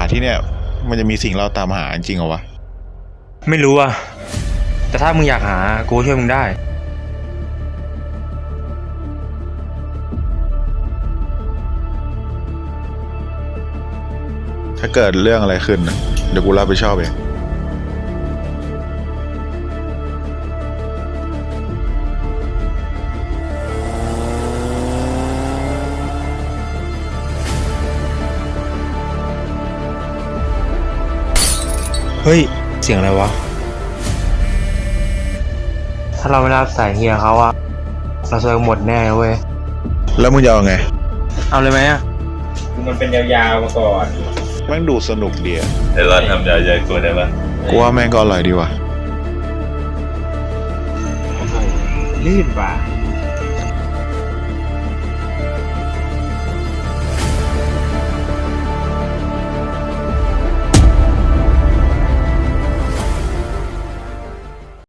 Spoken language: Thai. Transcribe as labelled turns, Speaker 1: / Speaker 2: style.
Speaker 1: ที่เนี่ยมันจะมีสิ่งเราตามหาจริงเหรอวะ
Speaker 2: ไม่รู้อ่ะแต่ถ้ามึงอยากหากูช่วยมึงได้
Speaker 1: ถ้าเกิดเรื่องอะไรขึ้นเดี๋ยวกูรับผิดชอบเอง
Speaker 2: เฮ้ยเสียงอะไรวะถ้าเราไม่รับสายเฮียเขาอะเราซวยหมดแน่เว้ย
Speaker 1: แล้วมึงจะเอาไง
Speaker 2: เอาเลยไหมอะ
Speaker 3: คือมันเป็นยาวๆมาก่อน
Speaker 1: แม่งดูสนุกดีอะ
Speaker 4: แต่เราทำยาใหญ่ตัวได้ปะ
Speaker 1: กูว่าแม่งก็อร่อยดีว่ะ
Speaker 3: ลื่นว่ะ